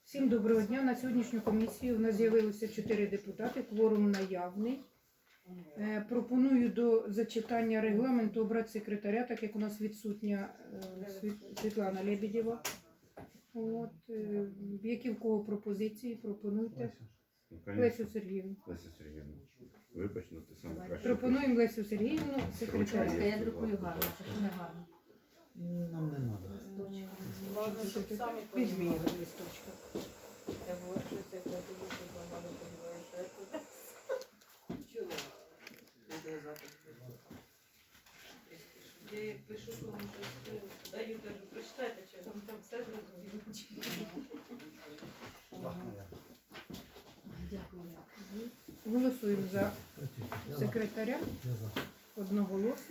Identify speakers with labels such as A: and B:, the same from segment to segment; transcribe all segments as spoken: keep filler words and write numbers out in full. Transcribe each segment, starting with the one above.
A: Всім доброго дня. На сьогоднішню комісію у нас з'явилося чотири депутати, кворум наявний. Е, пропоную до зачитання регламенту обрати секретаря, так як у нас відсутня е, Світлана Лебедєва. От, е, які в кого пропозиції, пропонуйте.
B: Ну,
A: Лесю Сергіївну.
B: Леся Сергіївна, вибач, ну ти саме краще.
A: Пропонуємо Лесю Сергіївну секретаря.
C: Я друкую гарно, це не гарно.
D: Нам не треба.
A: Візьми його з листочка.
C: Я як пишу, то вам щось даю, кажу, прочитайте, чи вам там все зрозуміло. Дякую.
A: Голосуємо за секретаря одноголосно.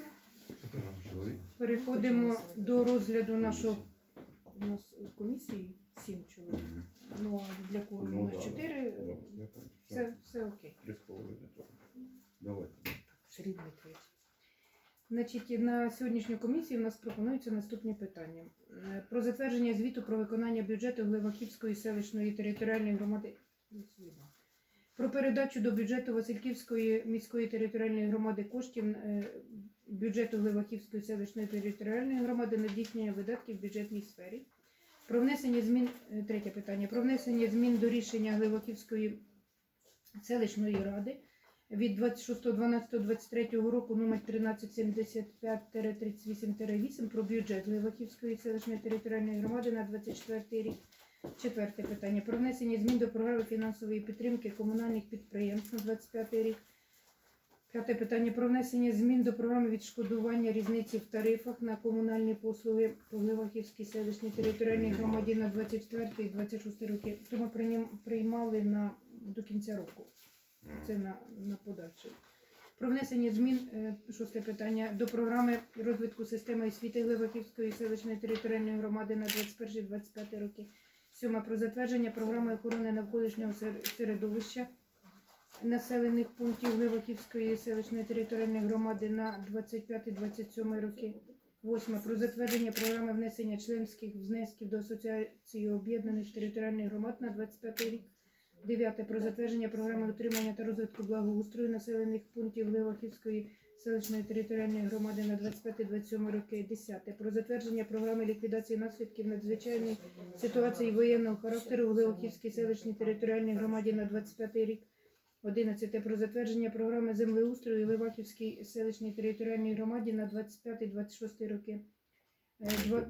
A: Переходимо до розгляду нашого, у нас в комісії сім чоловік, ну а для кого у нас чотири, все, все окей.
B: Давайте.
A: Сергій Дмитрович. Значить, на сьогоднішню комісію у нас пропонуються наступні питання. Е, Про затвердження звіту про виконання бюджету Глибаківської селищної територіальної громади. Про передачу до бюджету Васильківської міської територіальної громади коштів е, бюджету Глибаківської селищної територіальної громади на здійснення видатків в бюджетній сфері. Про внесення змін, е, третє питання, про внесення змін до рішення Глибаківської селищної ради від двадцять шостого дванадцятого двадцять третього року номер тринадцять сімдесят п'ять тридцять вісім вісім про бюджет Глибаківської селищної територіальної громади на двадцять четвертий рік. Четверте питання. Про внесення змін до програми фінансової підтримки комунальних підприємств на двадцять п'ятий рік. П'яте питання. Про внесення змін до програми відшкодування різниці в тарифах на комунальні послуги по Глибаківській селищній територіальній громаді на двадцять четвертий і двадцять шостий роки. То ми приймали на, до кінця року. Це на, на подальше. Про внесення змін, шосте питання, до програми розвитку системи освіти Глибаківської селищної територіальної громади на двадцять перший - двадцять п'ятий роки. Сьоме. Про затвердження програми охорони навколишнього середовища населених пунктів Глибаківської селищної територіальної громади на двадцять п'ятий - двадцять сьомий роки. Восьме. Про затвердження програми внесення членських внесків до Асоціації об'єднаних територіальних громад на двадцять п'ятий рік. Дев'яте. Про затвердження програми утримання та розвитку благоустрою населених пунктів Глибаківської селищної територіальної громади на двадцять п'ятий - двадцять сьомий роки. Десяте. Про затвердження програми ліквідації наслідків надзвичайної ситуації воєнного характеру в Глибаківській селищній територіальній громаді на двадцять п'ятий рік. Одинадцяте. Про затвердження програми землеустрою Глибаківській селищній територіальній громаді на двадцять п'ятий - двадцять шостий роки. Е, Два...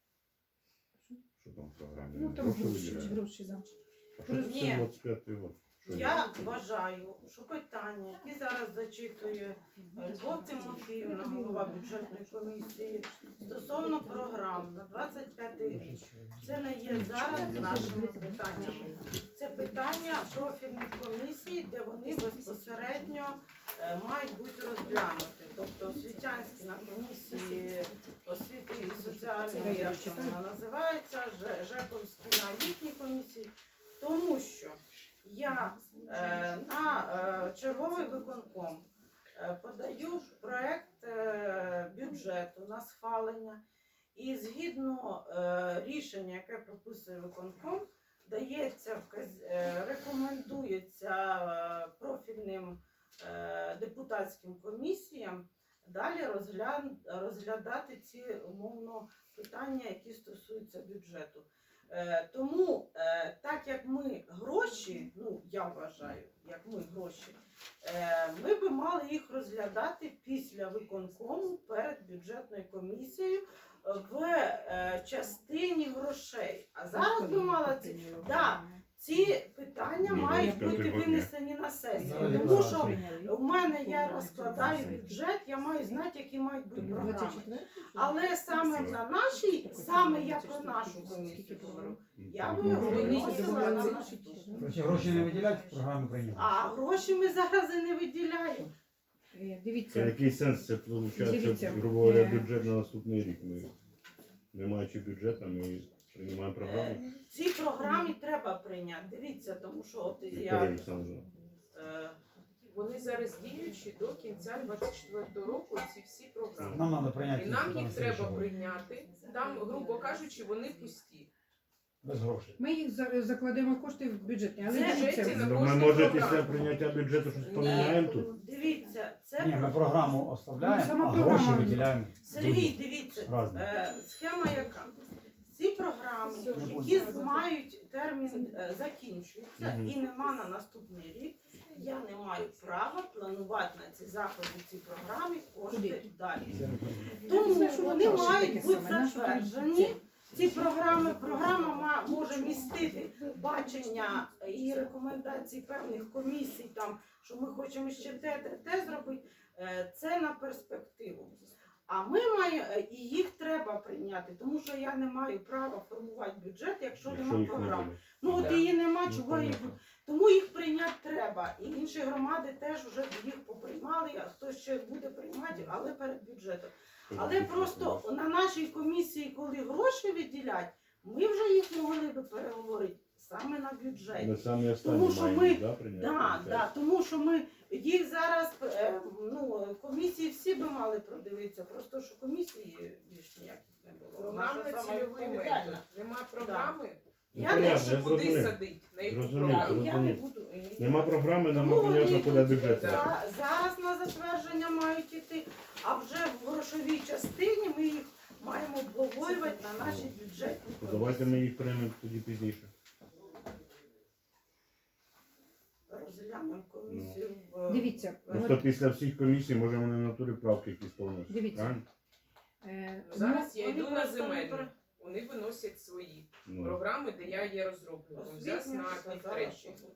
B: Що там в програмі?
A: Ну там гроші, гроші, да.
B: А що це
C: Ні.
B: двадцять п'ятий рік? Що
C: Я вважаю, що питання, які зараз зачитує Любов Тимофіївна, голова бюджетної комісії, стосовно програм на двадцять п'ятий рік, це не є зараз нашими питаннями. Це питання профільних комісій, де вони безпосередньо е, мають бути розглянуті. Тобто освітянські на комісії освіти і соціальної, як вона називається, Ж- Жековські на літній комісії, тому що я е, на е, черговий виконком е, подаю проект е, бюджету на схвалення, і згідно е, рішення, яке прописує виконком, дається вказ- е, рекомендується е, профільним е, депутатським комісіям далі розгляд, розглядати ці умовно питання, які стосуються бюджету. Е, тому, е, так як ми гроші, ну я вважаю, як ми гроші, е, ми би мали їх розглядати після виконкому перед бюджетною комісією в е, частині грошей. А зараз би мала ці, да, ці питання
B: Ні,
C: мають
B: двадцять
C: бути
B: п'ятий
C: винесені на сесію.
D: Зараз
C: Тому що
D: прийняли.
C: у мене я розкладаю бюджет, я маю знати, які мають бути програми. Але саме на нашій, саме я про нашу комісію говорю, я би виносила на нашу комісію.
D: Короче, гроші не виділяють, програми прийняли.
C: А гроші ми зараз і не виділяємо.
A: Е,
B: Це
A: Дивіться,
B: який сенс? Це виходить,
A: Дивіться,
B: грубо говоря,
A: е,
B: бюджет на наступний рік. Ми, не маючи бюджету, ми приймаємо програму.
C: Ці програми треба прийняти. Дивіться, тому що от
B: Вікторія
C: я...
B: Олександровна.
C: е,
E: Вони зараз діючі до кінця двадцять четвертого року, ці всі програми.
D: Нам треба прийняти.
E: І нам їх
D: на
E: треба
D: слідчого.
E: прийняти. Там, грубо кажучи, вони пусті.
D: Без грошей.
A: Ми їх за- закладемо кошти в бюджетні, але
C: Це
A: дивіться,
E: бюджеті на
B: Ну, ми
E: кожну
B: може
E: програму.
B: після прийняття бюджету щось поміняємо тут.
C: Дивіться, це
D: Ні, ми
C: про-
D: програму
A: Ну,
D: оставляємо,
A: сама
D: а
A: програма.
D: гроші виділяємо.
C: Сергій, дивіться,
D: Разні.
C: е, схема яка? Ці програми,
D: Не
C: які
D: буду.
C: мають термін е, закінчуються
B: Мгм.
C: і нема на наступний рік, я не маю права планувати на ці заходи, ці програми кошти
A: Куди?
C: далі.
A: Ну,
C: Тому
A: це ж
C: вони
A: воно
C: мають
A: таке
C: бути
A: саме, наше
C: затверджені. Ці програми, програма ма- може містити бачення і рекомендації певних комісій, там, що ми хочемо ще те, те, те зробити. Е, Це на перспективу. А ми маємо, е, і їх треба прийняти, тому що я не маю права формувати бюджет, якщо
B: Якщо
C: немає
B: їх не
C: програм.
B: буде.
C: Ну от
E: Да.
C: її нема,
B: Ну,
C: чого їх.
B: понятно.
C: Тому їх прийняти треба. І інші громади теж вже їх поприймали, а хтось ще буде приймати, але перед бюджетом. Але просто на нашій комісії, коли гроші виділять, ми вже їх могли би переговорити саме на бюджеті.
B: Ми самі останні
C: Тому що
B: маємо,
C: ми-
B: да, прийняти?
C: Да, да, тому що ми їх зараз е, ну, комісії всі би мали продивитися, просто що комісії більш ніяких не було.
E: Програмна
C: Наша сама
E: цільовий
C: відповідальна.
E: метод. Нема програми,
B: Ну,
C: Я
B: понятно,
C: не
B: я
E: що куди
B: зрозумів.
E: садить, на яку
B: Зрозумів,
E: програму.
C: Я не буду. е,
B: Нема програми, нам
C: Ну,
B: понятно,
C: вони
B: куди
C: йдуть,
B: бюджет.
E: да.
B: треба.
C: за- Зараз на затвердження мають іти, а вже в грошовій частині ми їх маємо обговорювати на нашій бюджетній
B: То Давайте ми їх приймемо тоді пізніше.
C: розглянемо комісію. в-
A: дивіться,
B: Просто
A: от,
B: після всіх комісій, може, вони на натурі правки якісь повністю.
A: Дивіться.
B: Правильно?
A: е,
E: Ну, Зараз я
C: Вони
E: йду на
C: просто не
E: земельну.
C: про-
E: Вони виносять свої
B: Ну,
E: програми, де я є розробником. Зараз
C: освітня
E: на
C: сказала,
E: півтретій.
C: що буде.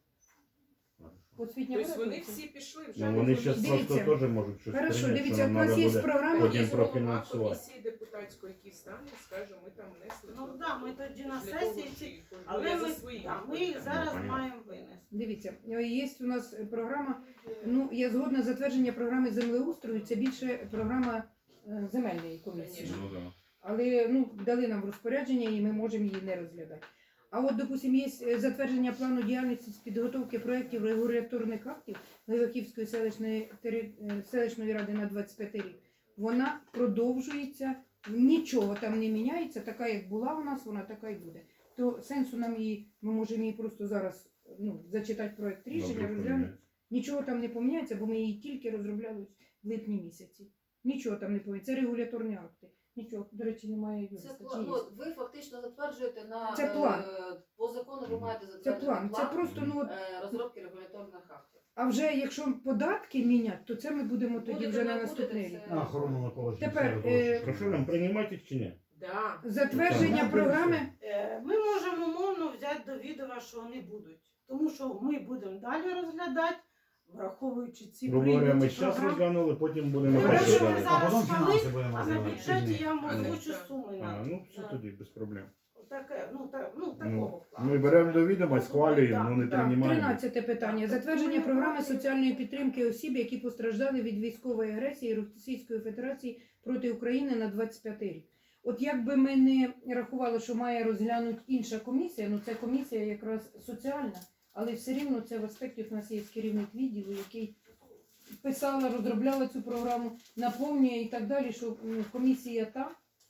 A: освітня
E: Тобто вони
A: виробниця.
E: всі пішли вже.
B: ну
E: не
B: вони
E: комісії.
B: зараз просто
A: Дивіться.
B: теж можуть щось
A: Хорошо,
B: прийняти,
A: дивіться,
B: що
A: у
B: нам
A: нас
B: треба
A: є
B: буде
A: програма,
B: потім
E: Є голова
B: профінансувати.
E: комісії депутатської, який стане, скаже, ми там внесли.
C: Ну
E: то-
C: так, ми тоді на
E: для того,
C: сесії, ці-
E: що-
C: але
E: я
C: ми,
E: за свої
C: да, ми
E: відповідаю.
C: їх зараз
B: понятно.
C: маємо винести.
A: Дивіться, е, є у нас е, програма, ну я згодна затвердження програми землеустрою, це більше програма е, земельної комісії.
E: Конечно.
B: Ну, да.
A: Але ну, дали нам в розпорядження і ми можемо її не розглядати. А от, допустимо, є е, затвердження плану діяльності з підготовки проєктів регуляторних актів Леваківської селищної, тери- е, селищної ради на двадцять п'ятий рік. Вона продовжується, нічого там не міняється, така як була у нас, вона така і буде. То сенсу нам її, ми можемо її просто зараз ну, зачитати проєкт рішення,
B: Добре,
A: розглянути.
B: поміняється.
A: Нічого там не поміняється, бо ми її тільки розробляли в липні місяці. Нічого там не поміняється. Це регуляторні акти. Нічого, до речі, немає
F: Це
A: юриста. Чи
F: план.
A: є?
F: Ну, ви фактично затверджуєте на
A: Це план.
F: е, по закону ви маєте
A: Це
F: затвердити
A: план. Це
F: план
A: просто ну от,
F: е, розробки регуляторних актів.
A: а вже якщо податки міняти, то це ми будемо тоді
F: Будете,
A: вже на
F: не
A: наступний
F: будете,
A: рік.
F: це-
D: На охорону навколишнього
A: Тепер,
D: середовища.
A: е,
B: Прошу нам приймати їх чи ні?
E: Да.
A: Затвердження
D: Так.
A: програми.
C: Е, Ми можемо умовно взяти до відома, що вони будуть. Тому що ми будемо далі розглядати, враховуючи ці
B: Грубо говоря, ми
C: прийняті
B: зараз
C: програми.
B: розглянули, потім будемо
C: Ну,
B: далі.
C: якщо ми
B: далі.
C: зараз
D: А потім
C: спали,
D: фінанси будемо
C: А на
D: розглядати.
C: бюджеті я вам
E: А,
C: озвучу
E: так.
C: суми.
B: А,
C: на-
B: ну все
C: на-
B: тоді, без проблем.
C: Таке, ну, так, ну,
B: Ну,
C: такого плану.
B: Ми беремо до відома, схвалюємо, ну не
A: Так,
B: приймаємо.
A: тринадцяте питання. Затвердження програми соціальної підтримки осіб, які постраждали від військової агресії Російської Федерації проти України на двадцять п'ятий рік. От якби ми не рахували, що має розглянути інша комісія, ну це комісія якраз соціальна, але все рівно це в аспекті у нас є керівник відділу, який писала, розробляла цю програму, наповнює і так далі, що ну, комісія та,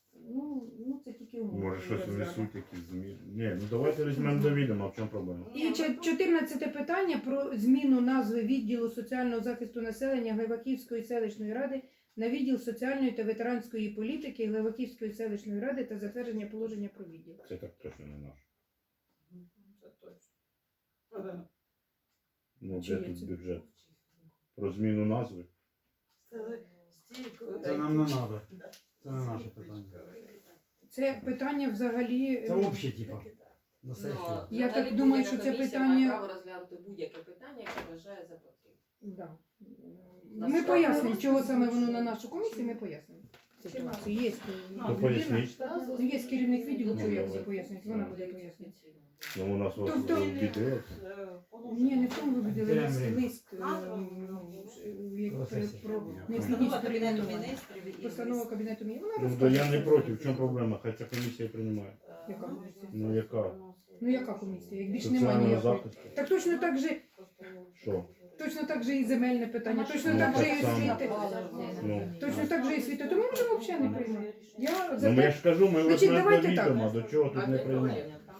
A: ну, ну це тільки умови.
B: Може щось внесуть, якісь зміни. Ні, ну давайте візьмемо до відома, в чому проблема?
A: І чо- чотирнадцяте питання про зміну назви відділу соціального захисту населення Глибаківської селищної ради на відділ соціальної та ветеранської політики Глибаківської селищної ради та затвердження положення про відділ.
B: Це так точно не наш.
C: Це точно.
B: Ну,
A: Чи
B: де
A: є
B: тут
A: це?
B: бюджет? Про зміну назви?
C: Це стільки.
D: Це нам не треба. Це не наше питання.
A: Це питання взагалі.
D: Це взагалі, типа, на сесію.
F: Ну,
A: Я
F: взагалі
A: так думаю,
F: будь-яка
A: що це
F: комісія
A: питання-
F: має право розглянути будь-яке питання, яке вважає за потрібне.
A: Да.
F: На
A: Ми
F: справу.
A: пояснимо, чого саме воно на нашу комісію, ми пояснимо. Ситуацію. Є,
C: Ну,
B: То
A: людина,
B: поясніть.
A: ну, є керівник відділу,
B: Ну,
A: що як
B: давай.
A: це пояснить, вона буде пояснити.
B: Ну у нас ось
A: Тобто-
B: відділилося.
A: Ні, не в тому вибудили
D: Терем
A: лист,
D: время.
A: лист е, ну, як
D: Про
A: про
D: сесію.
A: про
D: Постанова
A: необхідність
F: Кабінету
A: перейменування.
F: міністрів і
A: Постанова Кабінету Міністрів. Вона
B: Ну, то я
A: розкаже.
B: не проти, в чому проблема? Хай ця комісія приймає.
A: Яка комісія?
B: Ну, яка?
A: Ну яка комісія? Як більш немає
B: Соціального
A: ніякої.
B: захисту.
A: Так точно так же,
B: Що?
A: точно так же і земельне питання, точно
B: Ну,
A: так же
B: так
A: і
B: само.
A: освіти.
B: Ну.
A: Точно так же і освіти. То ми можемо взагалі не приймати. Я за
B: Ну, я
A: те,
B: ж кажу, ми
A: Значить,
B: возьмемо до
A: давайте так.
B: відома, до чого
E: А
B: тут не
E: де
B: приймаємо.
E: туалет?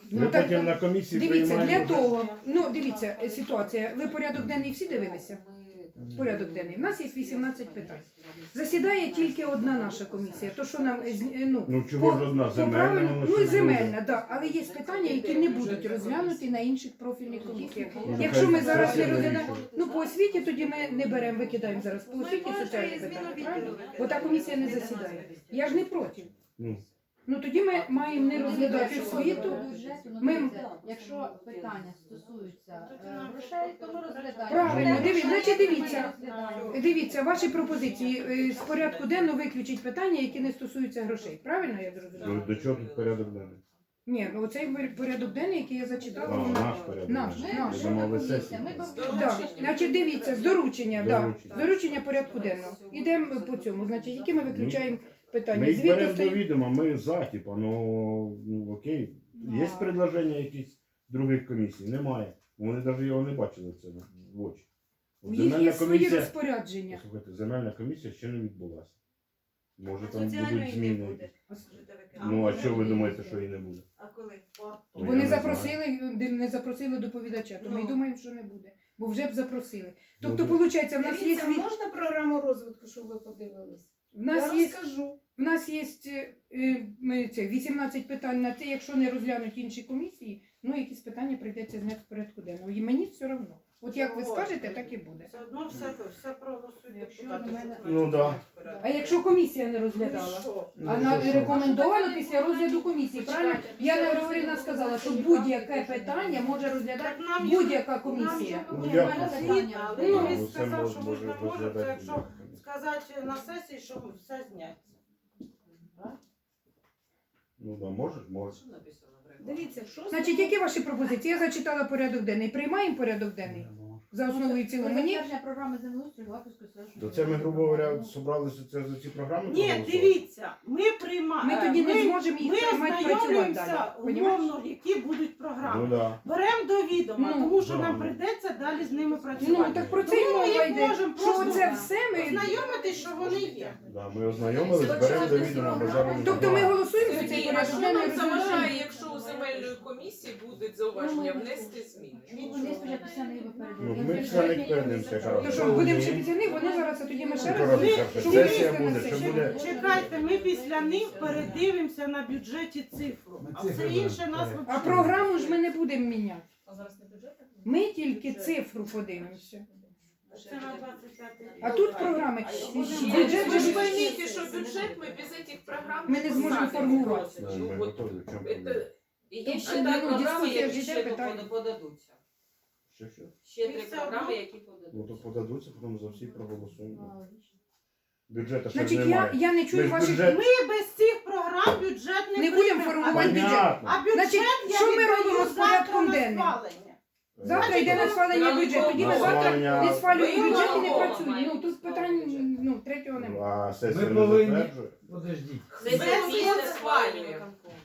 A: Ну,
B: Ми
A: так,
B: потім на комісії
A: Дивіться, для
B: приймаємо.
A: того, ну дивіться, е, ситуація. Ви порядок денний всі дивилися? Порядок денний. У нас є вісімнадцять питань. Засідає тільки одна наша комісія. То що нам е, з- е, ну,
B: Ну чого ж одна
A: по
B: земельна?
A: правильно-
B: воно
A: ну
B: ще
A: і
B: не
A: земельна,
B: буде.
A: да. Але є питання, які не будуть розглянуті на інших профільних комісіях.
B: Ну,
A: Якщо ми
B: нехай
A: зараз не
B: сесія
A: розглядаємо,
B: вирішує.
A: ну по освіті тоді ми не беремо, викидаємо зараз по освіті соціальні питання, правильно? Бо та комісія не засідає. Я ж не проти.
B: Ну,
A: Ну тоді ми маємо не розглядати освіту. Ми-
G: Якщо питання стосуються е, грошей, то ми розглядаємо.
A: Правильно,
G: Те,
A: диві-
G: що
A: значить,
G: ми
A: дивіться.
G: розглядаємо.
A: Дивіться, ваші пропозиції е, з порядку денного виключить питання, які не стосуються грошей. Правильно я
B: ну,
A: зрозуміла?
B: до чого тут порядок денний?
A: Ні, ну оцей пор- порядок денний, який я зачитала,
B: А,
A: він-
B: наш порядок
A: Наш,
B: денний.
A: наш.
B: Я думав, ви
G: Комісія,
B: сесію.
G: ми
B: приймаєте.
A: Да. Значить, дивіться, з доручення, да.
B: Доручення.
A: З доручення порядку денного. Ідемо по цьому. Значить, які ми виключаємо питання?
B: Ми їх
A: Звідти
B: беремо до
A: стоїть.
B: відома, ми за, типа, ну, ну окей. Є
G: А.
B: предложення якісь других комісій? Немає. Вони навіть його не бачили це в очі.
A: У
B: От
A: них є
B: земельна
A: свої
B: комісія,
A: розпорядження.
B: слухайте, земельна комісія ще не відбулася. Може там
H: Соціальної
B: будуть
H: не
B: зміни.
H: буде.
B: Ну а що ви думаєте, що і не буде?
H: А коли?
B: Ну, я
A: Вони
B: не
A: запросили, не запросили доповідача, то ми й
H: Ну.
A: думаємо, що не буде. Бо вже б запросили.
B: Ну,
A: Тобто,
B: ви-
A: виходить, в нас є
E: Дивіться,
A: світ.
E: можна програму розвитку, щоб ви подивились?
A: В нас
E: Я
A: є
E: розкажу.
A: В нас є е, ми, це, вісімнадцять питань на те, якщо не розглянуть інші комісії, ну якісь питання прийдеться зняти з порядку денного. І мені все одно. От як ви скажете, так і буде.
C: Все одно все, все проголосують
G: Якщо
C: депутати.
G: до мене-
C: що
B: Ну, да.
A: А якщо комісія не
C: Ну, і
A: розглядала?
C: що?
A: А на рекомендовано після розгляду комісії. Правильно? Яна Григорівна сказала, що будь-яке питання може розглядати
C: Так нам їх-
A: будь-яка комісія.
C: нам
B: Ну,
C: же
B: я-
C: було освіта, але
A: Ну,
C: він
B: Ну, це
C: сказав,
B: мож-
C: що
B: може
C: можна може, це
B: розглядати.
C: якщо сказати на сесії, що все зняться.
B: Ну да, може, може.
F: Що написано в регламенті?
E: Дивіться, що
A: Значить, які ваші пропозиції? Я зачитала порядок денний. Приймаємо порядок денний за основу і в цілому. Мені
G: Затвердження програми землеустрою Латвійської селищної
B: То це ми, грубо говоря, зібралися це за ці програми?
C: Ні,
B: проголосувати?
C: дивіться, ми приймаємо.
A: ми тоді не зможемо їх
C: Ми
A: приймати працювати далі.
C: ознайомлюємося
A: Понімаєш?
C: умовно, які будуть
B: Ну
C: програми.
B: да.
C: Беремо до відома,
A: Ну,
C: тому що
B: да,
C: нам
B: ну.
C: прийдеться далі з ними
A: Ну
C: працювати.
A: так про це й
C: Тому ми
A: мова
C: їх
A: йде.
C: можемо
A: Що
C: просто
A: це все ми.
C: Ознайомитись, що вони є.
B: Да, ми ознайомились, беремо до відома, бо зараз...
A: Тобто ми голосуємо за цей
E: Сергій, а
A: порядок
E: що
A: денний
E: нам
A: розглядаємо.
E: заважає, якщо у земельної комісії будуть зауваження внести зміни?
G: Вони спочатку після неї
B: Ну, ми після них перейдемося,
A: То
B: коротше.
A: що, будемо ще після них, вони зараз, а тоді ми ще
B: Ну,
A: раз.
B: коротше,
C: Ви-
B: що
A: щоб
B: сесія
A: винести на
B: буде, що
A: сесію.
B: буде...
C: Чекайте, ми після них передивимося на бюджеті цифру,
D: Ми
C: а
D: цифри
C: все інше нас
D: беремо.
A: А
C: взагалі.
A: програму ж ми не будемо міняти.
E: А зараз не бюджетна?
A: Ми тільки цифру подивимося.
C: Це на двадцять п'ятий рік.
A: А тут програми. Бюджет
E: Ви
A: же
E: ж
A: ж
E: поймите, що бюджет ми без этих програм
A: Ми не зможемо
E: самі
A: формувати.
B: Да,
E: можемо.
B: ми
E: Вот
B: готові, в чому
E: это-
B: проблема?
F: І є
A: Тут
F: ще
A: ще,
F: три
A: ну,
F: програми,
A: дискусія
F: які
A: ж йде,
F: ще
A: питання.
F: пода- подадуться.
B: Що, що?
F: Ще
C: І
F: три
C: все
F: програми,
C: одно-
F: які
B: Ну, то
F: подадуться.
B: подадуться, потім за всі проголосуємо. Бюджету ще ж
A: Значить, я,
B: немає.
A: я не
B: Ми
A: чую
B: ж
A: ваших.
B: бюджет...
C: Ми без цих програм бюджет не,
A: Не будемо
C: приймемо.
A: формувати
C: А
A: бюджет.
B: Понятно.
C: А бюджет
A: Значить,
C: я
A: що ми
C: віддаю
A: робимо з
C: завтра
A: порядком
C: на
A: денним?
C: схвалення.
A: Завтра йде на схвалення бюджету. Тоді ми завтра
B: Голосування.
A: не схвалюємо
E: Ви
A: бюджет і не
E: голосуємо.
A: працюємо. Ну тут питань ну, третього немає.
B: А сесія
D: Ми
B: не
D: повинні-
B: затверджує?
D: Подождіть.
F: Сесія
C: Сесія
F: місяць
C: схвалює.
F: схвалює.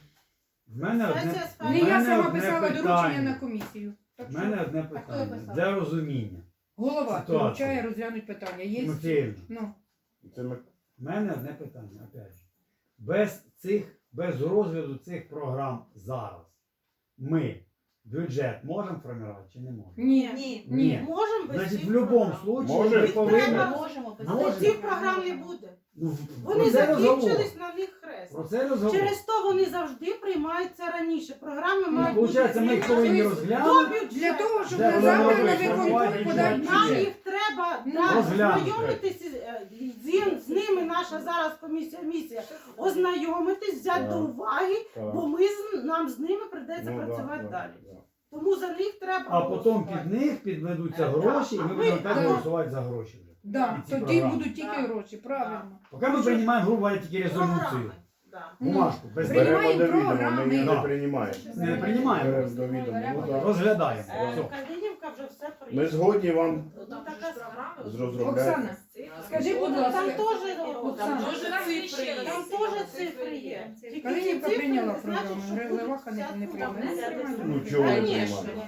D: В мене одне,
C: Сесія
A: Не
C: схвалює.
A: я
D: мене
A: сама
D: одне
A: писала
D: питання.
A: доручення на комісію. Так
D: в мене
A: що
D: одне
G: хто
D: питання.
G: писав?
D: Для розуміння.
A: голова
D: Ситуація.
A: доручає розглянути питання. Є
D: Тимофіївна,
A: ну
B: Це ми...
D: в мене одне питання, опять же. Без цих, без розгляду цих програм зараз ми бюджет можемо формувати чи не можемо?
A: ні.
C: Ні.
A: Ні.
C: Можемо без
D: Значить,
C: цих
D: в будь-якому
C: програм.
D: случаї
B: Може,
D: ми
B: їх
D: повинні.
C: треба.
G: Можемо без
C: Але
D: Можемо.
C: цих програм не буде.
D: Ну,
C: Вони
D: про це розговор.
C: закінчились на них хрест.
D: Про це розговор.
C: Через то вони завжди приймаються раніше. Програми
A: Ну,
C: мають бути
D: Виходить, ми їх повинні
C: змінені до
D: розглянути.
C: бюджету.
A: Для того, щоб
D: Де
A: на
D: вони
A: завтра на
D: робить?
A: виконком
D: Формувати
A: подати
D: бюджет.
C: Нам
A: бюджет.
C: їх треба
A: Ну,
C: да,
D: розглянути.
C: ознайомитись із- е, з, з ними. Наша зараз комісія місія ознайомитись, взяти
B: Так.
C: до уваги,
B: Так.
C: бо ми з нам з ними прийдеться
B: Ну, да,
C: працювати
B: да,
C: далі.
B: да.
C: Тому за них треба.
D: А потім
C: голосувати.
D: під них підведуться
C: Е,
D: гроші, і
C: так.
D: ми
C: А
D: будемо
C: ви-
D: так
A: а-
D: голосувати за гроші вже.
A: Да,
D: ці
A: тоді
D: програми.
A: будуть тільки
C: Так.
A: гроші, правильно.
D: Поки ми приймаємо, грубо говоря, тільки резолюцію.
C: Програми. Да.
D: Бумажку, без
A: При- Приймаємо
B: Беремо до відома, ми
A: програми.
B: її не
D: Да.
B: приймаємо.
D: Не приймаємо.
B: Беремо до відома. Ну, да.
D: розглядаємо.
C: Е,
D: Все.
C: Калинівка вже все
B: Ми
C: прийняла.
B: згодні вам
C: Ну,
E: Там
C: така
E: же ж програми.
B: з розробляти.
A: Оксана, скажи, будь
C: Там
A: ласка,
C: теж
A: Оксана,
E: Там же цифри є.
C: Там теж цифри є. Тільки
A: Калинівка
C: ці цифри
A: прийняла
C: не значить,
A: програму,
C: що
A: Грилеваха не,
C: будуть
A: не
C: вся
A: прийняла.
C: сума.
B: Ну, чого не
E: Конечно.
B: приймати?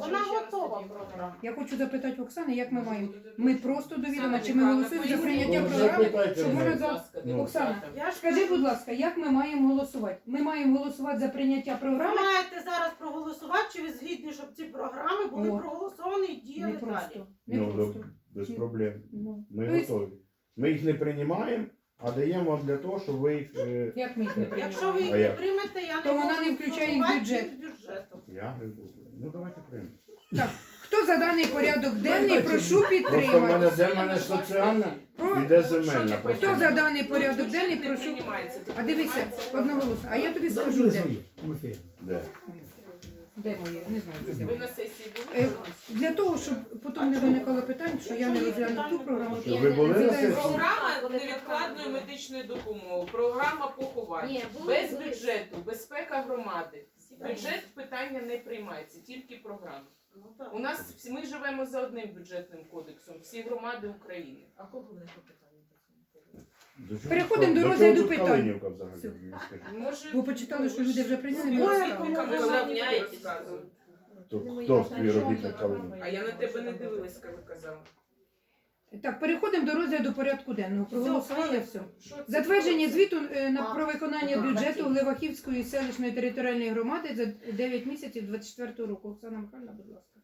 C: Вона
E: ще раз
C: готова
E: тоді
C: програма.
A: Я хочу запитати Оксани, як ми
E: Може,
A: маємо.
E: будете
A: Ми
E: дуже-
A: просто довідомо,
E: Оксана
A: чи ми
E: Михайлівна,
A: голосуємо за
E: поясніть,
A: прийняття
B: Ну,
A: програми,
B: запитайте
A: щоб
B: мене.
A: ми за...
B: Ну.
A: Оксана,
C: Я ж
A: скажи,
C: кажу,
A: будь ласка, як ми маємо голосувати? Ми маємо голосувати за прийняття
C: ви
A: програми?
C: маєте зараз проголосувати, чи ви згідні, щоб ці програми були
A: О.
C: проголосовані і
A: Не
C: діяли далі.
A: просто. Не
B: Ну,
A: просто.
B: да, без проблем.
A: Ну.
B: Ми
A: Тобто,
B: готові. Ми їх не приймаємо, а даємо вам для того, щоб ви їх. е,
A: як ми їх не
C: Якщо ви
A: приймаємо?
C: їх
B: А
C: не
B: як?
C: приймете, я
A: То
C: не
A: вона
C: можу
A: не включає їх в
C: формувати
A: бюджет.
C: їх бюджетом.
B: Я ну давайте приймемо.
A: Так, хто за даний порядок денний, прошу
B: Просто в
A: підтримати.
B: мене де в мене соціальна, іде земельна.
A: Хто за
B: просто.
A: даний порядок денний,
E: Не
A: прошу.
E: приймається, це
A: А дивися,
E: приймається-
A: одноголосно. А я тобі скажу,
D: Завжди
A: де.
D: свої. в ефірі.
B: Де?
A: Де моє? Не знаю. де
E: Ви
A: моє.
E: на сесії
A: Е,
E: були?
A: Для того, щоб потім не виникало питань, що я не розгляну ту програму.
B: Щоб ви були на сесії?
E: Програма невідкладної медичної допомоги, програма поховань.
F: Ні, були,
E: Без
F: були.
E: бюджету, безпека громади. Бюджет питання не приймається, тільки програма.
C: Ну, так.
E: У нас всі- ми живемо за одним бюджетним кодексом, всі громади України.
F: А кого ви по питанню?
B: До чого
A: Переходимо
B: тут-
A: до
B: чого
A: розгляду
B: тут
A: питань.
B: Калинівка взагалі?
A: Все.
B: Мені скажіть.
E: Може,
A: Ви почитали, що люди вже прийняли,
E: Ой,
A: ми
E: ви
A: розставили.
E: кому
F: Розрівняєтесь.
E: розказуєте?
B: Хто, хто співробітник Калинівки?
E: А я на тебе не дивилась, коли казала.
A: Так, переходимо до розгляду порядку денного. Проголосували все.
E: Що це
A: Затвердження
E: таке?
A: звіту е, на
F: А,
A: про виконання
F: а,
A: бюджету
F: хотів.
A: Левахівської селищної територіальної громади за дев'ять місяців двадцять четвертого року. Оксана Михайлівна, будь ласка.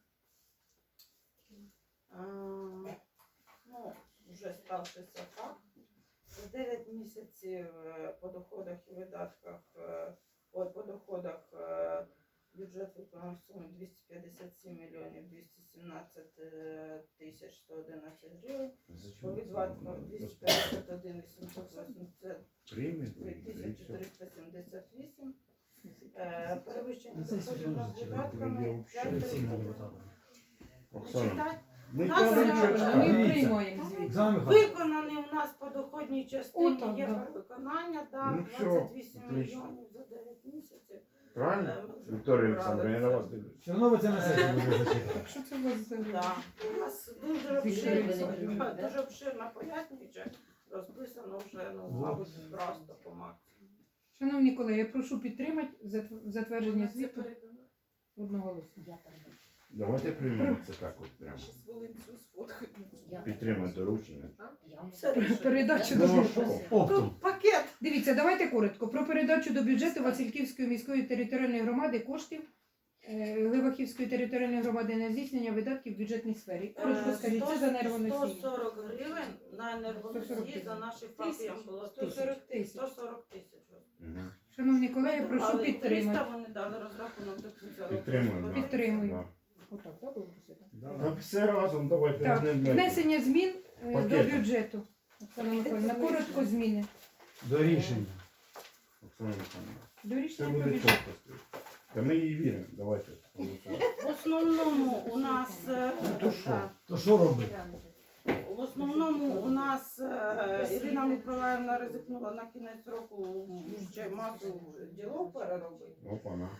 C: А, ну, вже ставшися факт. За дев'ять місяців е, по доходах і видатках, е, ой, по доходах е, бюджет виконав суму двісті п'ятдесят сім мільйонів двісті сімнадцять е, тисяч сто одинадцять гривень. По видатках двісті п'ятдесят один вісімсот вісімдесят
B: Приймемо,
C: три
B: і
C: тисячі
B: все.
C: триста сімдесят вісім. Е, Перевищення
D: Ну, це
C: доходів над
D: серйозно,
C: видатками
B: це
C: п'ять
D: Всі
C: тисяч.
D: депутати.
B: Оксана,
C: Читати?
B: ми
C: Нас
B: кажемо,
C: зараз-
B: що
A: Ми
B: читати.
D: Дивіться.
A: приймаємо звіт.
D: Оксана Михайлівна,
C: Виконаний у нас по доходній частині
A: Отак,
C: є
A: да.
C: перевиконання, да,
B: Ну, всьо,
C: двадцять вісім
B: отлично.
C: мільйонів за дев'ять місяців.
B: Правильно?
C: Е, ми вже
B: Вікторія
C: брали
B: Олександровна, я
C: це.
B: на вас дивлюсь.
D: все одно ви це на сесії будете зачитувати.
A: Так, що це у вас за
C: Да. У нас дуже
A: Вікторія
C: обширно,
A: Олександрівна,
C: дуже обширно пояснюючи, розписано вже, ну, мабуть, просто по максимуму.
A: Шановні колеги, я прошу підтримати затв- затвердження звіту одноголосно.
B: Давайте приймемо це так от прямо.
E: Щас Волинцю сфоткають.
B: Підтримуємо доручення.
C: Це рішення.
A: Передачу
B: Ну,
A: до
B: а
A: бюджету.
B: що?
D: Оптом.
C: Тут пакет.
A: Дивіться, давайте коротко. Про передачу до бюджету Васильківської міської територіальної громади коштів е, Левахівської територіальної громади на здійснення видатків в бюджетній сфері. Коротко
C: Е,
A: скажіть, це за
C: сто
A: енергоносії.
C: сорок гривень на
A: сто сорок
C: енергоносії за наших фахів було сто сорок тисяч. сто сорок тисяч.
B: Мгм.
A: Шановні колеги, прошу
C: Але
A: підтримати.
C: триста вони дали розрахунок до кінця року.
B: Підтримуємо. да.
A: Підтримую.
B: Да.
A: Отак, так, було просити?
B: Так, все разом, давайте.
A: Так,
B: одним днем.
A: внесення змін е, до
B: Пакетом.
A: бюджету. Оксана Миколаївна, коротко зміни.
D: До рішення.
B: Оксана Михайлівна,
A: До
B: Це
A: рішення про
B: буде
A: бюджет.
B: чітко. Та ми їй віримо, давайте. голосуємо.
C: В основному у нас е,
B: Ну, то що?
C: так,
D: То що робити?
C: в основному у нас е, Ірина Миколаївна ризикнула на кінець року ще масу ділов переробити.
B: Опа, на.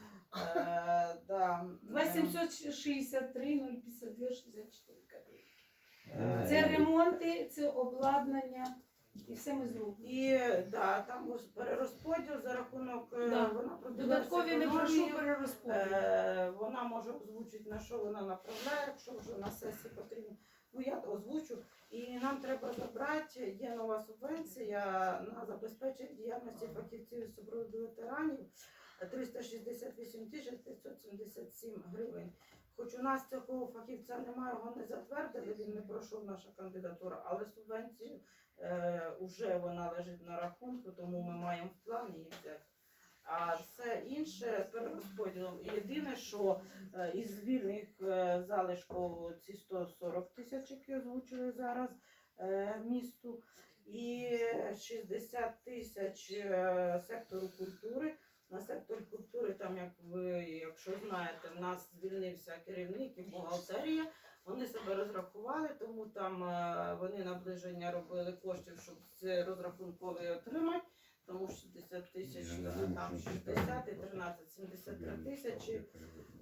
C: Е, да.
H: два сімсот шістдесят три нуль п'ятдесят два шістдесят чотири копійки.
C: Е,
H: Це ремонти, це обладнання і все ми зробимо.
C: І да, там ось перерозподіл за рахунок е,
H: Да.
C: вона продивилася
H: Додаткові не прошу
C: економію.
H: перерозподіл.
C: Е, Вона може озвучити, на що вона направляє, якщо вже на сесії потрібно. Ну я озвучу. І нам треба забрати, є нова субвенція на забезпечення діяльності фахівців із супроводу ветеранів триста шістдесят вісім тисяч п'ятсот сімдесят сім гривень. Хоч у нас цього фахівця немає, його не затвердили, він не пройшов наша кандидатура, але субвенцію е, вже вона лежить на рахунку, тому ми маємо в плані її взяти. А все інше перерозподілом. Єдине, що е, із вільних е, залишків ці сто сорок тисяч, які озвучили зараз е, місту, і шістдесят тисяч е, сектору культури. На сектор культури, там, як ви, якщо знаєте, в нас звільнився керівник і бухгалтерія. Вони себе розрахували, тому там е, вони наближення робили коштів, щоб це розрахунковий отримати. Тому шістдесят тисяч, там шістдесят і тринадцять, сімдесят три тисячі е,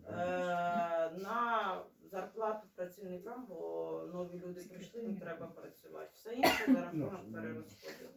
C: на зарплату працівникам, бо нові люди прийшли, їм треба працювати. Все інше за рахунок перерозподілу.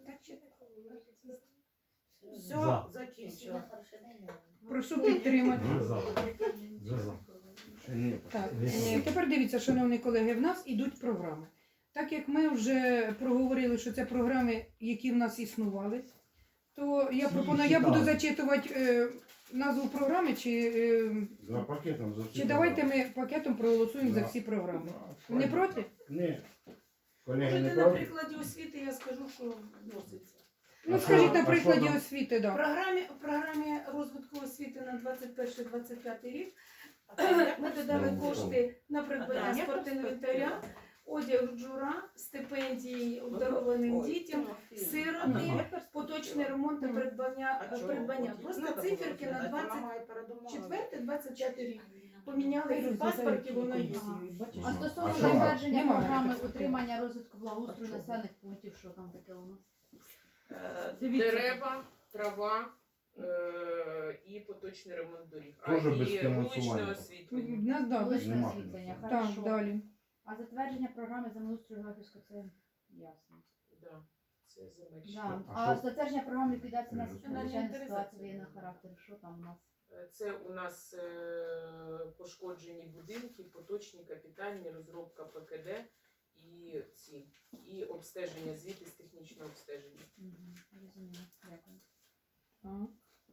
C: Все,
D: За.
C: закінчила.
A: Прошу підтримати.
D: Вже за. Вже за.
B: Ще ні,
A: Так,
D: Вісім.
A: е, тепер дивіться, шановні колеги, в нас ідуть програми. Так як ми вже проговорили, що це програми, які в нас існували, то я
D: Всі
A: пропоную, я буду
D: читали.
A: зачитувати е, назву програми, чи, е,
B: За пакетом за всі
A: чи давайте
B: програми.
A: ми пакетом проголосуємо за
B: Да.
A: всі програми.
B: Да,
A: Не проти?
B: Ні. Колеги
H: Можете
B: не
H: на
B: проти?
H: прикладі освіти я скажу, що вноситься.
A: Ну,
B: А
A: скажіть
B: що-
A: на
B: а
A: прикладі
B: що там?
A: освіти,
H: В
A: да.
H: програмі, в програмі розвитку освіти на двадцять перший двадцять п'ятий рік ми додали
B: Ну,
H: кошти на придбання
C: А,
H: спортінвентаря, одяг джура, стипендії обдарованим дітям, сироти, поточний ремонт та придбання.
C: А чого?
H: придбання.
C: От
H: Просто
C: надо
H: циферки
C: було
H: на
C: сказати,
H: двадцять
C: вона має передумову.
H: четвертий двадцять п'ятий рік. Поміняли і в паспорті, воно є.
A: Бачиш?
G: А
B: А
G: стосовно
B: що?
G: затвердження
A: Нема
G: програми
A: таких.
G: утримання розвитку благоустрою
A: А що?
G: населених пунктів, що там таке у нас?
C: Е, Дивіться.
E: Дерева, трава е, і поточний ремонт доріг. А
B: Тоже без
E: і
B: фінансування.
E: вуличне
A: У
E: освітлення.
A: нас да,
G: Вуличне
B: нема.
G: освітлення,
A: так,
G: хорошо.
A: далі.
G: А затвердження програми землеустрою Графівського це ясно.
E: Да, це земельні.
G: Да.
B: А
G: А
B: що?
G: затвердження програми ліквідації
B: Ні,
G: наслідків
B: ну,
G: надзвичайних
H: це-
G: ситуацій воєнного характеру, що там у нас?
E: Е, Це у нас е, пошкоджені будинки, поточні, капітальні, розробка ПКД і ці, і обстеження, звіти з технічного обстеження.
G: Мгм, розумію, дякую.
A: Ага.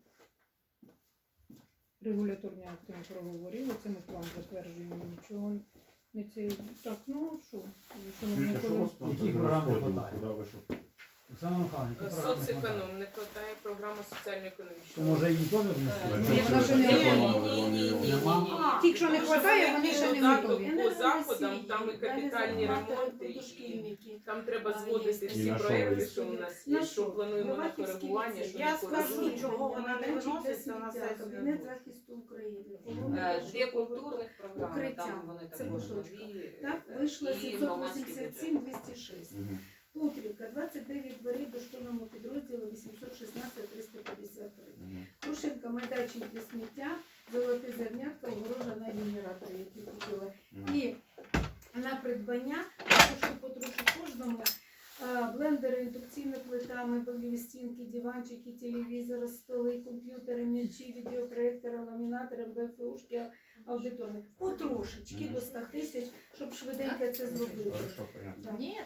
A: Регуляторні акти ми проговорили, це ми план затверджуємо, нічого не це. Так, ну що? Шановні
B: Скажіть, а що у
A: колеги?
B: вас там
D: Які
B: за
D: програми
B: розподіл?
D: хватає?
B: Куди ви що?
D: Оксана Михайлівна, які програми хватає?
E: Соцеконом не вистачає програма
D: То
E: соціально-економічного.
D: може її теж
C: Е,
D: внести?
C: ні,
A: вона ще не
C: ні,
A: готова.
C: ні, ні, ні, ні,
D: Нема?
A: Ті, що не вистачає, вони ще не готові.
E: По заходам там і капітальні ремонти, і
H: дошкільники.
E: там треба
H: А,
E: зводити
H: є.
B: І
E: всі
B: на що
E: проекти,
B: ви?
E: що у нас
H: На
E: є,
H: що?
E: що плануємо на
H: Івахівський
E: коригування,
H: ліцей.
E: що
C: Я
E: не
C: скажу,
E: коригуємо.
C: чого вона не виноситься на сесію.
H: Кабінет захисту України.
F: Е, Дві культурних програми,
H: Укриття.
F: там вони
H: Це
F: також
H: кусочка.
F: нові.
H: Так,
F: е,
H: вийшло
F: і
H: сімсот
F: громадський
H: вісімдесят
F: бюджет.
H: сім двісті шість.
B: Мгм.
H: Путрівка, двадцять дев'ять дверей дошкільному підрозділу вісімсот шістнадцять триста п'ятдесят три.
B: Мгм.
H: Крушенка, майданчик для сміття, золоте зернятка, огорожа на генератори, які купили.
B: Мгм.
H: І на придбання, потрошку потрошку кожному, а, блендери, індукційна плита, меблеві стінки, диванчики, телевізори, столи, комп'ютери, м'ячі, відеопроектори, ламінатори, БФУшки, аудиторник. Потрошечки
B: Мгм.
H: до ста тисяч, щоб швиденько це зробити.
B: Хорошо, понятно.
G: Ні,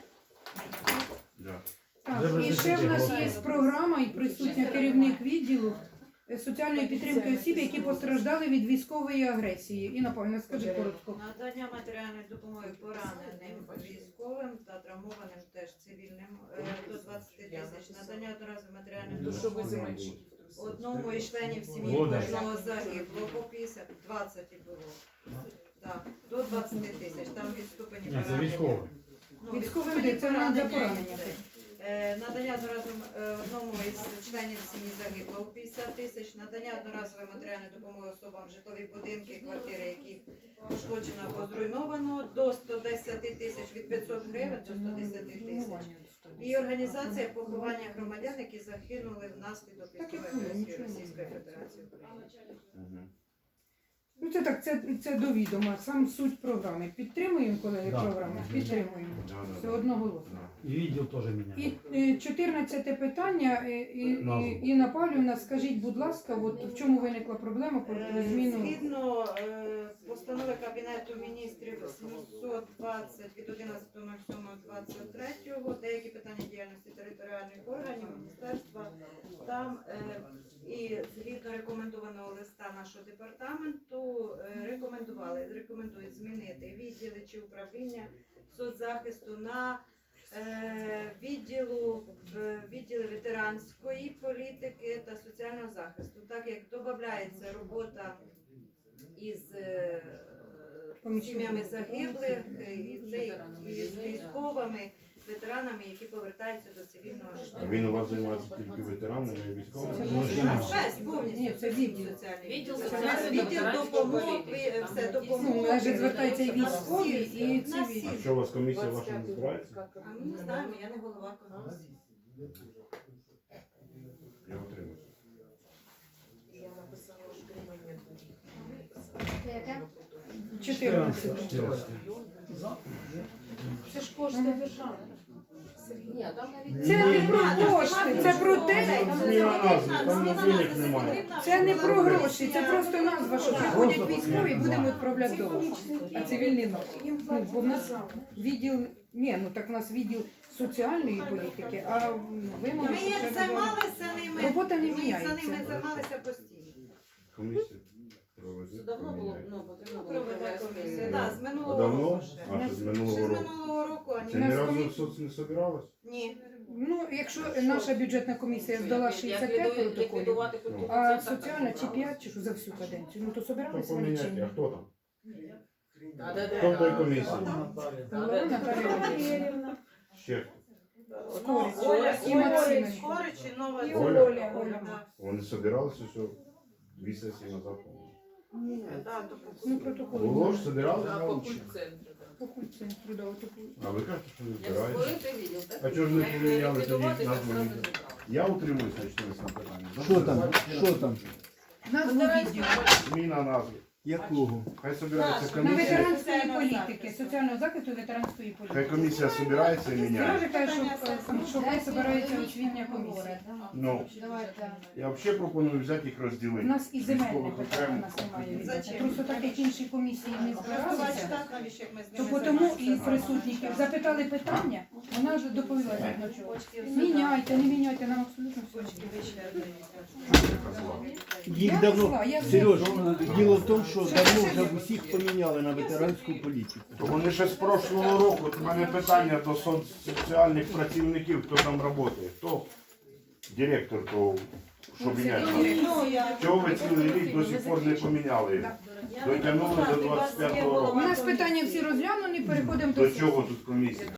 B: Да.
A: Так,
D: Вже
A: і ще в нас є
G: визначили.
A: програма і присутня керівник відділу е, соціальної підтримки осіб, які постраждали від військової агресії. Інна Павлівна, скажи коротко.
I: Надання матеріальної допомоги пораненим військовим та травмованим теж цивільним е, до двадцять тисяч. Надання одноразової матеріальної
E: То що ви
I: допомоги
E: земельщиків трусите?
I: одному із членів сім'ї
D: Буде.
I: кожного загиблого по п'ятдесят, двадцять і було. Так, до двадцять тисяч. Там від ступені
D: Ні, це військове.
I: Ну, від
A: Військовий
I: ступені
A: буде, це нам за
I: поранення
A: поранення.
I: йде. Е, Надання одноразової е, одному із членів сім'ї загиблого п'ятдесят тисяч, надання одноразової матеріальної допомоги особам житлові будинки, квартири, які пошкоджено або зруйновано, до сто десять тисяч, від п'ятсот гривень до сто десять тисяч. І організація поховання громадян, які загинули внаслідок
A: Так, як
I: військової
A: було,
I: агресії
A: нічого не
I: Російської
A: було.
I: Федерації України.
B: Мгм.
A: Ну це так, це, це до відома, сам суть програми. Підтримуємо, колеги,
D: Да.
A: програму?
B: Мгм.
A: Підтримуємо.
B: Да, да,
A: Все
B: да.
A: одноголосно.
B: Да.
D: І відділ теж
A: І
D: міняє.
A: е, чотирнадцяте питання. е, І,
D: Назву.
A: і, Інна Павлівна, скажіть, будь ласка, от в чому виникла проблема про
I: Е,
A: зміну?
I: Згідно е, постанови Кабінету міністрів сімсот двадцять від одинадцятого сьомого двадцять третього, деякі питання діяльності територіальних органів міністерства, там е, і згідно рекомендованого листа нашого департаменту е, рекомендували, рекомендують змінити відділи чи управління соцзахисту на е, відділу е, відділи ветеранської політики та соціального захисту, так як додається робота із е, сім'ями загиблих е, і, це, і з військовими ветеранами, які повертаються до цивільного
B: А
I: життя.
B: він у вас займається тільки ветеранами і військовими?
A: Це
D: Ну, ще не.
I: Весь повністю
A: Ні, це відділ.
I: соціальний
F: Відділ
I: відділ.
F: соціальної
I: Відділ
F: ветеранської
I: допомоги,
F: політики, там
I: все
F: є
I: допомоги.
A: Ну, навіть звертаються і
I: На
A: військові,
I: всі,
A: і
I: на
A: цивільні.
B: А
I: всі.
B: що у вас комісія ваша не збирається?
I: А ми не знаємо, я не голова комісії.
B: Я отримую.
E: Я написала утримання доріг.
G: Це яке?
A: чотирнадцяте.
D: чотирнадцяте. За.
H: Це ж кошти держави. Сергій.
F: Ні, там навіть
A: Це не про
I: Ні,
A: кошти, це про те,
B: Зміна назви, там денег немає.
A: це не про гроші, це просто назва, що приходять військові, будемо відправляти додому. А цивільний наш. Ну, бо в нас відділ, ні, ну так у нас відділ соціальної політики, а вимоги
I: Ми
A: що
I: як
A: треба
I: займалися ними,
A: Робота не
I: ми за
A: міняється.
I: ними займалися постійно.
B: Комісія проведе.
F: давно було, ну, потрібно було
I: Проведе
F: провести.
I: комісію. Так, з
B: А
I: минулого
B: давно?
I: року ще.
B: А що з
I: Ще
B: минулого
I: з
B: року?
I: минулого року, а
B: Це
I: ні.
B: ні разу в соц не собиралось?
I: Ні.
A: Ну, якщо наша бюджетна комісія здала шістдесят п'ять протоколів,
F: Ліквідувати культурний
A: а
F: центр,
A: соціальна
F: так,
A: чи
F: так.
A: п'ять, чи що за всю каденцію, ну то
B: Хто
A: собиралися вони чи
B: поміняти,
A: ні?
B: а хто там?
F: Да, да, да.
B: Хто в той комісії?
A: Голова Наталія Володимирівна.
H: Валеріївна.
B: Ще хто?
A: Скорич.
C: Ну, Оля,
A: І
C: Оля,
A: Максименко.
C: Скорич і Нова
H: І
B: Оля.
H: Оля.
C: Оля.
B: Вони собиралися все дві сесії назад.
C: Да, то
A: Ну, протокол.
B: Було ж, собиралися?
E: Да, по культ-центру, да.
A: По культцентру, да, отаку.
B: А ви кажете, що не
F: Як
B: збираєте?
F: створити відділ, так?
B: А чого ж не
F: Як
B: поміняли
F: ліквідувати,
B: тоді
F: так
B: назву
F: зразу
B: відділу?
F: забрали.
B: Я утримуюся через це питання.
J: Що там? Що там?
A: Назву відділу.
B: Зміна назви.
J: Якого?
B: Хай собирається
I: Так,
A: На
B: комісія.
A: ветеранської політики, соціального захисту ветеранської
B: Хай
A: політики.
B: комісія собирається і міняє.
A: Сережа каже, що, е, що хай збирається освітня комісія.
B: Ну,
G: Давайте.
B: я взагалі пропоную взяти їх
A: У
B: розділити.
A: нас і земельне
B: Військових
A: питання у
B: окремо.
A: нас немає. відбувати.
I: Зачем?
A: Просто так як інші комісії не
I: Працювати
A: збиралися,
I: так, навіщо як ми з
A: то
I: ними
A: тому і
I: займаємося?
A: присутніх запитали питання, вона ж доповіла згідно чого. Міняйте, не міняйте, нам абсолютно все.
J: Їх
A: Я
J: давно.
A: зла, я зла.
J: Сереж, діло в тому, що давно вже всіх поміняли на ветеранську політику.
B: Вони ще з прошлого року. От у мене питання до соціальних працівників, хто там працює. Хто директор того, що міняє?
I: Ну, я-
B: Чого ви цілий рік до сих пор не поміняли? їх? Дотягнули до двадцять п'ятого
A: У
B: року.
A: нас питання всі розглянули, переходимо до
B: До
A: сесії.
B: чого тут комісія?